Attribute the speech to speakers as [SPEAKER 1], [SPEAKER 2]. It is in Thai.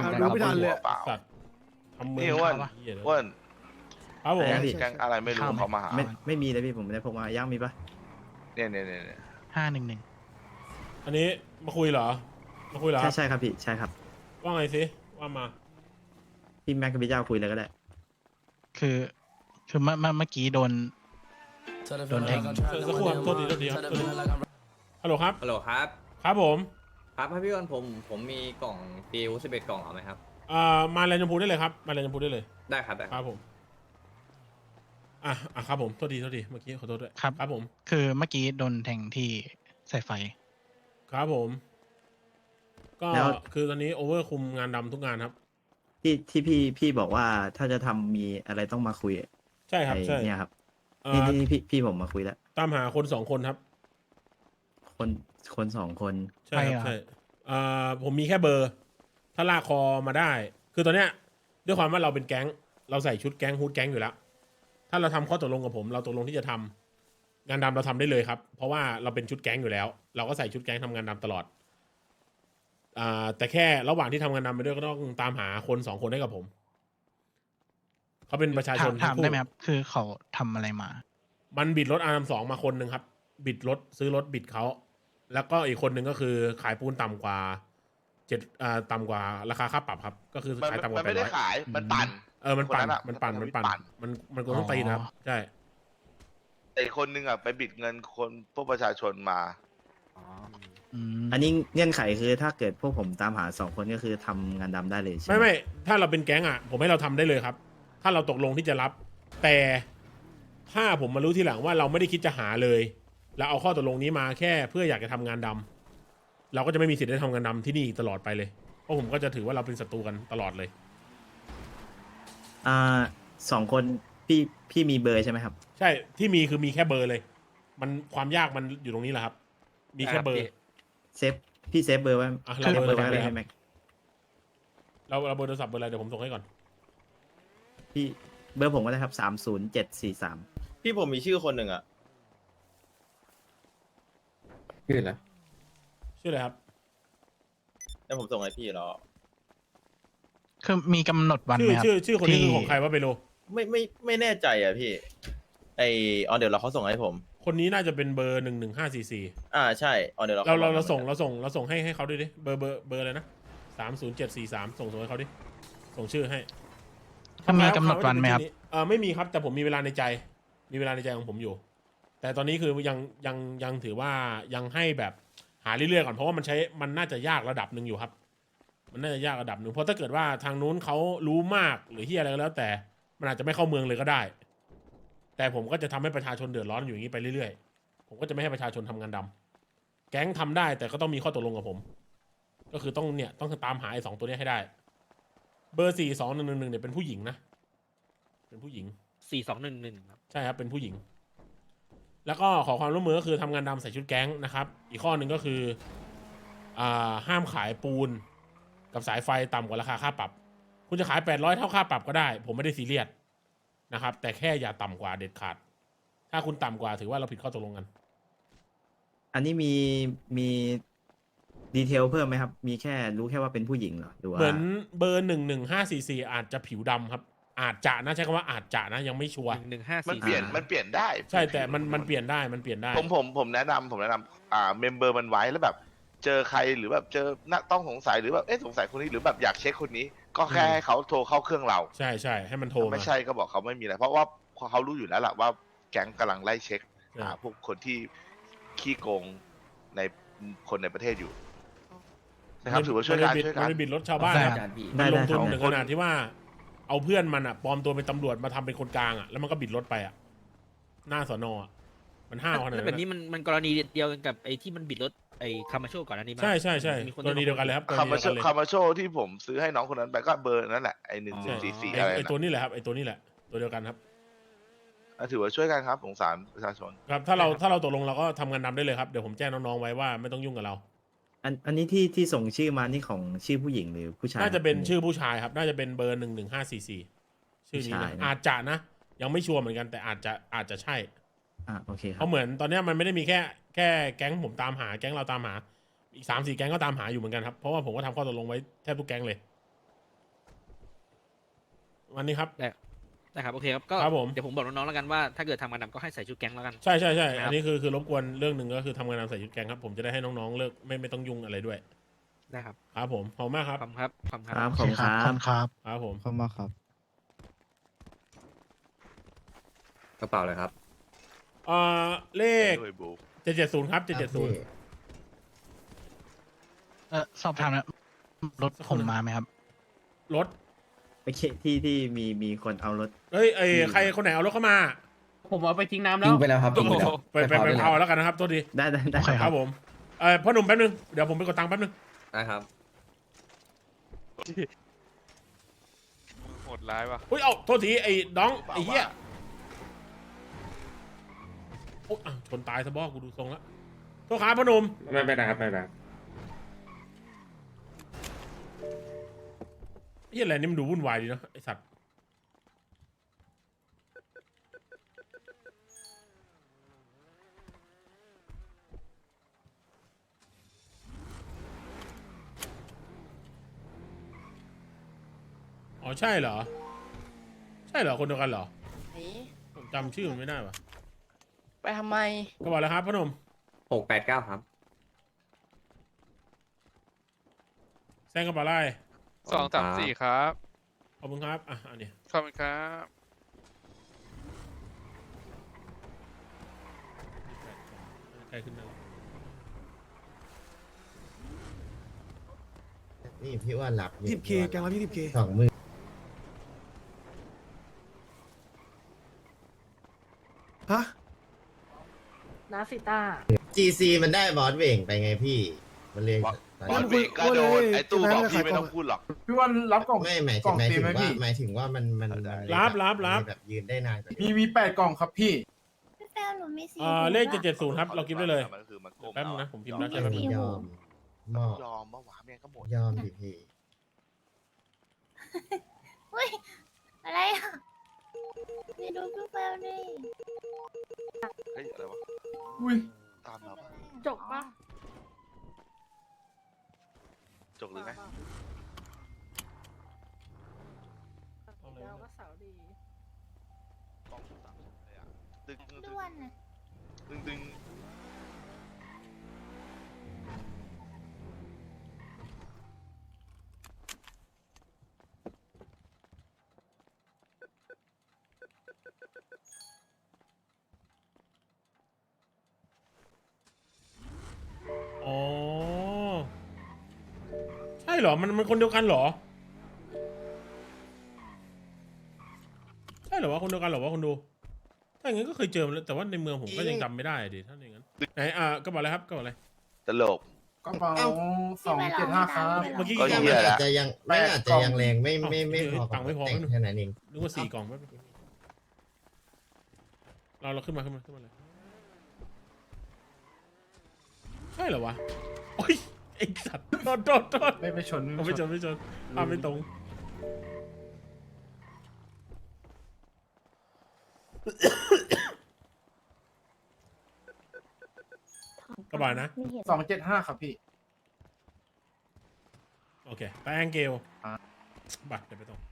[SPEAKER 1] ดูไม่ทันเลย
[SPEAKER 2] เปล่า
[SPEAKER 3] สัตว์ทำมือ
[SPEAKER 2] นี่อ้วน
[SPEAKER 3] เหี้ยเลย
[SPEAKER 2] อ้วน
[SPEAKER 3] ครับผม
[SPEAKER 2] แก๊งอะไรไม่รู้เขามาหา
[SPEAKER 4] ไม่มีเลยพี่ผมไม่ได้พกมาย่างมีปะ
[SPEAKER 2] เนี่ย
[SPEAKER 3] อันนี้มาคุยเหรอมาคุยเหรอครับ
[SPEAKER 4] ใช่ครับพี่ใช่ครับ
[SPEAKER 3] ว่าไงสิว่ามา
[SPEAKER 4] พี่แม็กกับพี่เจ้าคุยเลยก็ได้
[SPEAKER 5] คือเมื่อกี้โดนแทง
[SPEAKER 3] สักครู่ครับโทษทีครับฮัลโหลครับ
[SPEAKER 6] ฮัลโหลครับ
[SPEAKER 3] ครับผม
[SPEAKER 6] ครับพี่อ้วนผมมีกล่องปีวุ11กล่องเอาไหมครับ
[SPEAKER 3] มาแลนด์ชมพูได้เลยครับมาแลนด์ชมพูได้เลย
[SPEAKER 6] ได้ครับได้
[SPEAKER 3] ครับผมครับผมโทษทีเมื่อกี้ขอโทษด้วย
[SPEAKER 5] ครับ
[SPEAKER 3] ครับผม
[SPEAKER 5] คือเมื่อกี้โดนแทงที่สายไฟ
[SPEAKER 3] ครับผม ก็
[SPEAKER 4] แล้ว
[SPEAKER 3] คือตอนนี้โอเวอร์คุมงานดำทุกงานครับ
[SPEAKER 4] ที่พี่บอกว่าถ้าจะทำมีอะไรต้องมาคุย
[SPEAKER 3] ใช่ครับ
[SPEAKER 4] ไอ้
[SPEAKER 3] ใช่
[SPEAKER 4] เนี่ยครับ
[SPEAKER 3] เอ่
[SPEAKER 4] นี่
[SPEAKER 3] อ
[SPEAKER 4] นี่พี่ผมมาคุยแล้ว
[SPEAKER 3] ตามหาคน2 คนครับ
[SPEAKER 4] คนสองคน
[SPEAKER 3] ใช่ครับ
[SPEAKER 5] ใช่
[SPEAKER 3] ใช่
[SPEAKER 5] เหรอ
[SPEAKER 3] ผมมีแค่เบอร์ ถ้าลากคอมาได้ คือตอนเนี้ยด้วยความว่าเราเป็นแก๊ง เราใส่ชุดแก๊งฮูดแก๊งอยู่แล้ว ถ้าเราทำข้อตกลงกับผม เราตกลงที่จะทำงานดำเราทำได้เลยครับ เพราะว่าเราเป็นชุดแก๊งอยู่แล้ว เราก็ใส่ชุดแก๊งทำงานดำตลอดแต่แค่ระหว่างที่ทำงานดำไปด้วยก็ต้องตามหาคน2 คนให้กับผม เขาเป็นประชาชน
[SPEAKER 5] ถาม
[SPEAKER 3] ทั้งคู่
[SPEAKER 5] ได้ไหมครับ คือเขาทำอะไรมา
[SPEAKER 3] มันบิดรถRM2มาคนหนึ่งครับ บิดรถซื้อรถบิดเขา แล้วก็อีกคนหนึ่งก็คือขายปูนต่ำกว่าต่ำกว่าราคาค่าปรับครับ ก็คือ
[SPEAKER 2] มัน
[SPEAKER 3] ขายต่ำก
[SPEAKER 2] มั
[SPEAKER 3] ว่าน
[SPEAKER 2] ไม่ได้
[SPEAKER 3] 800
[SPEAKER 2] ขายมันปั่น
[SPEAKER 3] มันปั่น
[SPEAKER 2] คนนั้นอะ
[SPEAKER 3] มันปั่น
[SPEAKER 2] มั
[SPEAKER 3] มัน
[SPEAKER 2] นปั่
[SPEAKER 3] ปั่น
[SPEAKER 2] น
[SPEAKER 3] มันกดต้องตีนะครับ ใช่
[SPEAKER 2] แต่อีกคนนึงอ่ะไปบิดเงินคนพวกประชาชนมา
[SPEAKER 4] อันนี้เงื่อนไขคือถ้าเกิดพวกผมตามหา2 คนก็คือทำงานดำได้เลยใช่ไหม
[SPEAKER 3] ไม่ถ้าเราเป็นแก๊งอ่ะ ผมให้เราทำได้เลยครับ ถ้าเราตกลงที่จะรับ แต่ถ้าผมมารู้ทีหลังว่าเราไม่ได้คิดจะหาเลยเราเอาข้อตกลงนี้มาแค่เพื่ออยากจะทำงานดำเราก็จะไม่มีสิทธิ์ได้ทำงานดำที่นี่ตลอดไปเลย เพราะผมก็จะถือว่าเราเป็นศัตรูกันตลอดเลย
[SPEAKER 4] 2 คนพี่มีเบอร์ใช่ไหมครับ
[SPEAKER 3] ใช่ที่มีคือมีแค่เบอร์เลย มันความยากมันอยู่ตรงนี้แหละครับ มีแค่เบอร์
[SPEAKER 4] พี่เซฟเบอร์ไว้
[SPEAKER 3] เรา
[SPEAKER 4] เซฟ
[SPEAKER 3] เบ
[SPEAKER 4] เบ
[SPEAKER 3] อ
[SPEAKER 4] อ
[SPEAKER 3] ร์
[SPEAKER 4] ร์ไว้
[SPEAKER 3] อะไร
[SPEAKER 4] เลย
[SPEAKER 3] ครั
[SPEAKER 4] ให้
[SPEAKER 3] บ
[SPEAKER 4] แม็ก
[SPEAKER 3] เราเบอร์โทรศัพท์เบอร์อะไรเดี๋ยวผมส่งให้ก่อน
[SPEAKER 4] พี่เบอร์ผมก็ได้ครับ30743
[SPEAKER 7] พี่ผมมีชื่อคนหนึ่งอะ
[SPEAKER 6] ชื่ออะไร
[SPEAKER 3] ชื่ออะไรครับ
[SPEAKER 7] แล้วผมส่งให้พี่แล้ว
[SPEAKER 5] คือมีกำหนดวัน
[SPEAKER 3] ชื่
[SPEAKER 5] ไห
[SPEAKER 3] อ
[SPEAKER 5] มครับ
[SPEAKER 3] ชื่อคนนี้คือของใคร
[SPEAKER 5] ที่
[SPEAKER 3] ว่าเปโล
[SPEAKER 7] ไม่แน่ใจอะพี่เดี๋ยวเขาส่งให้ผม
[SPEAKER 3] คนนี้น่าจะเป็นเบอร์11544
[SPEAKER 7] ใช่เดี๋ยว
[SPEAKER 3] เราส่งให้เขาด้วยดิเบอร์อะไรนะ30743ส่งให้เขาดิส่งชื่อให้
[SPEAKER 5] ก็มีกำหนดวันไหมครับ
[SPEAKER 3] ไม่มีครับแต่ผมมีเวลาในใจของผมอยู่ แต่ตอนนี้คือยังถือว่ายังให้แบบหาเรื่อยๆก่อนเพราะว่ามันน่าจะยากระดับหนึ่งอยู่ครับ มันน่าจะยากระดับหนึ่งเพราะถ้าเกิดว่าทางนู้นเขารู้มากหรือที่อะไรก็แล้วแต่มันอาจจะไม่เข้าเมืองเลยก็ได้ แต่ผมก็จะทำให้ประชาชนเดือดร้อนอยู่อย่างนี้ไปเรื่อยๆผมก็จะไม่ให้ประชาชนทำงานดำแก๊งทำได้แต่ก็ต้องมีข้อตกลงกับผม ก็คือต้องตามหาไอ้2 ตัวนี้ให้ได้ เบอร์42111เนี่ยเป็นผู้หญิงนะเป็นผู้หญิง
[SPEAKER 1] 4211ครับ
[SPEAKER 3] ใช่ครับเป็นผู้หญิง แล้วก็ขอความร่วมมือก็คือทำงานดำใส่ชุดแก๊งนะครับ อีกข้อหนึ่งก็คือห้ามขายปูนกับสายไฟต่ำกว่าราคาค่าปรับ คุณจะขาย800เท่าค่าปรับก็ได้ ผมไม่ได้ซีเรียสนะครับ แต่แค่อย่าต่ำกว่าเด็ดขาด ถ้าคุณต่ำกว่าถือว่าเราผิดข้อตกลงกัน
[SPEAKER 4] อันนี้มีดีเทลเพิ่มไหมครับ มีแค่รู้แค่ว่าเป็นผู้หญิงเหรอหรือว่า
[SPEAKER 3] เหมือนเบอร์11544อาจจะผิวดำครับ อาจจะนะใช้คำว่าอาจจะนะยังไม่ชัวร์
[SPEAKER 1] 115
[SPEAKER 2] มันเปลี่ยนได้
[SPEAKER 3] ใช่แต่มันเปลี่ยนได้
[SPEAKER 2] ผมแนะนำเมมเบอร์มันไว้แล้วแบบ เจอใครหรือแบบเจอนักต้องสงสัยหรือแบบสงสัยคนนี้หรือแบบอยากเช็คคนนี้ ก็แค่ให้เขาโทรเข้าเครื่องเรา
[SPEAKER 3] ใช่ให้มันโทรมา
[SPEAKER 2] ไม่ใช่ก็บอกเขาไม่มีอะไรเพราะว่าเขารู้อยู่แล้วแหละว่าแก๊งกำลังไล่เช็ค
[SPEAKER 3] ใช่
[SPEAKER 2] หาพวกคนที่ขี้โกงในคนในประเทศอยู่นะครับถือว่าช่วยกัน
[SPEAKER 3] มันไปบิดรถชาวบ้าน
[SPEAKER 5] ได้
[SPEAKER 3] อะ
[SPEAKER 5] ครับ
[SPEAKER 3] มันลงทุน
[SPEAKER 4] ได้
[SPEAKER 3] ถึงขนาดที่ว่า เอาเพื่อนมันอะปลอมตัวเป็นตำรวจมาทำเป็นคนกลางอะแล้วมันก็บิดรถไปอะหน้าสอนอะมันห้าวขนาด
[SPEAKER 1] แล้ว
[SPEAKER 3] นั้
[SPEAKER 1] แบบ
[SPEAKER 3] น
[SPEAKER 1] นี้
[SPEAKER 3] อะ
[SPEAKER 1] มันกรณีเดียวกันกับไอ้ที่มันบิดรถไอ้คามาโชก่อนอันนี้มั้ย
[SPEAKER 3] ใช่
[SPEAKER 1] มีคน
[SPEAKER 3] กรณีเดียวกันเลยครับกร
[SPEAKER 2] คา
[SPEAKER 3] ณี
[SPEAKER 2] มา
[SPEAKER 3] เดียวกันเลย
[SPEAKER 2] คามาโชที่ผมซื้อให้น้องคนนั้นไปก็เบอร์นั่นแหละไอ้1144อะไร
[SPEAKER 3] ไอตัว
[SPEAKER 2] นะ
[SPEAKER 3] นี้แหละครับไอตัวนี้แหละตัวเดียวกันครับ
[SPEAKER 2] ถือว่าช่วยกันครับสงสารประชาชน
[SPEAKER 3] ครับถ้าเราตกลงเราก็ทำงานดำได้เลยครับเดี๋ยวผมแจ้งน้องๆไว้ว่าไม่ต้องยุ่งกับเรา
[SPEAKER 4] อันนี้ที่ส่งชื่อมานี่ของชื่อผู้หญิงหรือผู้ชาย
[SPEAKER 3] น่าจะเป็นชื่อผู้ชายครับ น่าจะเป็นเบอร์11544ชื่อนี้
[SPEAKER 4] ผู้ชาย
[SPEAKER 3] นะ
[SPEAKER 4] นะ
[SPEAKER 3] อาจจะนะ ยังไม่ชัวร์เหมือนกันแต่อาจจะใช่
[SPEAKER 4] โอเคค
[SPEAKER 3] เพ
[SPEAKER 4] รับ
[SPEAKER 3] ราะเหมือนตอนเนี้ยมันไม่ได้มีแค่แก๊งผมตามหาแก๊งเราตามหาอีก3-4แก๊งก็ตามหาอยู่เหมือนกันครับเพราะว่าผมก็ทำข้อตกลงไว้แทบทุกแก๊งเลยวันนี้ครับ
[SPEAKER 1] นะครับโอเคครับก็
[SPEAKER 3] ครับผม
[SPEAKER 1] เดี๋ยวผมบอกน้องๆแล้วกันว่าถ้าเกิดทำงานดำก็ให้ใส่ชุดแก๊งแล้วกัน
[SPEAKER 3] ใช่ใช่ใช่
[SPEAKER 1] นะครับ
[SPEAKER 3] อันนี้คือรบกวนเรื่องหนึ่งก็คือทำงานนำใส่ชุดแกงครับผมจะได้ให้น้องๆเลิกไม่ต้องยุ่งอะไรด้วย
[SPEAKER 1] นะครับ
[SPEAKER 3] ครับผมขอบคุณมากครับ
[SPEAKER 1] ขอบคุณครับขอบคุณ
[SPEAKER 4] ค
[SPEAKER 1] ค
[SPEAKER 4] รั
[SPEAKER 1] รั
[SPEAKER 4] บบ ขอบคุณครับ
[SPEAKER 5] ขอบคุณครับ
[SPEAKER 3] ครับผม
[SPEAKER 8] เข้ามาครับ
[SPEAKER 6] กระเป๋าเลยครับ
[SPEAKER 3] เลข
[SPEAKER 2] ด้วยบู
[SPEAKER 3] 770ครับ770
[SPEAKER 5] สอบถามนะรถผมมาไหมครับ
[SPEAKER 3] รถ
[SPEAKER 4] โอเคที่มีคนเอารถ
[SPEAKER 3] เฮ้ยใครคนไหนเอารถเข้ามา
[SPEAKER 1] ผมเอาไปทิ้งน้ำแล้ว
[SPEAKER 9] ทิ้งไปแล้วครับทิ้งไปแล้ว
[SPEAKER 3] ไปเผาแล้วกันนะครับโทษที
[SPEAKER 4] ได้
[SPEAKER 5] โอเค
[SPEAKER 3] ครับผมพ่อหนุ่มแป๊บนึงเดี๋ยวผมไปกดตังค์แป๊บนึง
[SPEAKER 6] นะครับ
[SPEAKER 10] โหดร้ายว่ะ
[SPEAKER 3] อุ้ยเอาโทษทีไอ้น้องไอ้เหี้ยโอ้ชนตายซะบ้อกูดูทรงแล้วโทษครับพ่อหนุ่ม
[SPEAKER 9] ไม่เป็นไรครับไม่เป็นไร
[SPEAKER 3] เหี้ยอะไรนี่มันดูวุ่นวายดีเนาะไอ้สัตว์อ๋อใช่เหรอใช่เหรอคนเดียวกันเหรอผมจำชื่อมันไม่ได้วะ
[SPEAKER 8] ไปทำไม
[SPEAKER 3] ก็บอกแล้วครับพ่อหนุ่ม
[SPEAKER 6] 689 ครับ
[SPEAKER 3] แซงกระเป๋าไล่
[SPEAKER 10] 234 ครับ
[SPEAKER 3] ขอบคุณครับอันนี้
[SPEAKER 10] ขอบคุณครับ
[SPEAKER 3] ใกล้ขึ้นแล้ว
[SPEAKER 11] นี่พี่ว่าหลับอยู่
[SPEAKER 8] 10K แกงละ20K
[SPEAKER 11] 20,000
[SPEAKER 8] ฮะ
[SPEAKER 12] นาซิต้า
[SPEAKER 11] GC มันได้บอสเว่งไปไงพี่ มันเรียน
[SPEAKER 2] บอลเบรกก็โดนไอ้ตู้บอกพี่ไม่ต้องพูดหรอก
[SPEAKER 8] พี่วันรับกล่อง
[SPEAKER 11] ไม่หมาย
[SPEAKER 8] กล่
[SPEAKER 11] ถึ
[SPEAKER 8] อง ง
[SPEAKER 11] หมายถึง
[SPEAKER 8] เต็มไหม
[SPEAKER 11] ว่า
[SPEAKER 8] พี่
[SPEAKER 11] หมายถึงว่ามัน
[SPEAKER 3] รับ
[SPEAKER 11] แบบยืนได้นานกว่านี้
[SPEAKER 8] มี8กล่องครับพี่
[SPEAKER 12] พี่แฟนหนูมีสี
[SPEAKER 3] เลข770ครับเรากิฟต์ได้เลย
[SPEAKER 2] มันคือมันโกง
[SPEAKER 3] แป๊บนึงนะผมพิมพ์แล้ว
[SPEAKER 11] ย
[SPEAKER 3] ใช่ไหม
[SPEAKER 11] อมมอบ
[SPEAKER 2] ยอมเมื่อวานแม่งก็หมด
[SPEAKER 11] ยอมดิพี่
[SPEAKER 12] อุ้ย อะไรอ่ะไปดูพี่แฟนดิ
[SPEAKER 2] เฮ้ยอะไรวะ
[SPEAKER 8] อุ้ย
[SPEAKER 2] ตามเราปะ
[SPEAKER 12] จบปะ
[SPEAKER 2] จกหรือไง
[SPEAKER 12] แล้วก็เสาดี
[SPEAKER 2] กล้องสามเลยอะตึงตึง
[SPEAKER 12] ด้วนนะ
[SPEAKER 2] ตึงตึง
[SPEAKER 3] อ๋อใช่เหรอมันคนเดียวกันเหรอใช่เหรอวะคนเดียวกันเหรอวะคนดูถ้าอย่างงั้นก็เคยเจอมาแล้วแต่ว่าในเมืองผมก็ยังจำไม่ได้ดิถ้าอย่างนั้นไหนก็บอกอะไรครับก็บอกอะไร
[SPEAKER 2] ตลก
[SPEAKER 8] กระเป๋า275ครับ
[SPEAKER 3] เมื่อกี้
[SPEAKER 2] ก็
[SPEAKER 3] กี่กล่อง
[SPEAKER 2] เหี้ย
[SPEAKER 11] มัน
[SPEAKER 2] ละ
[SPEAKER 11] อาจจะยังไม่อาจจะยังแรงไม่พอ
[SPEAKER 3] ตังค์ไม่พอ
[SPEAKER 11] แต่งแค่นั้นเอง
[SPEAKER 3] นึกว่า4 กล่องแป๊บนึงเราขึ้นมาเลยใช่เหรอวะโอ้ยไอ้สัตว์โทษ
[SPEAKER 8] ไม่ชน
[SPEAKER 3] ไม่ชนไม่ตรงก็บอกนะ
[SPEAKER 8] 275ครับพี่
[SPEAKER 3] โอเคแป้งเกล
[SPEAKER 8] อ่ะ
[SPEAKER 3] บัตรเดี๋ยวไปตรง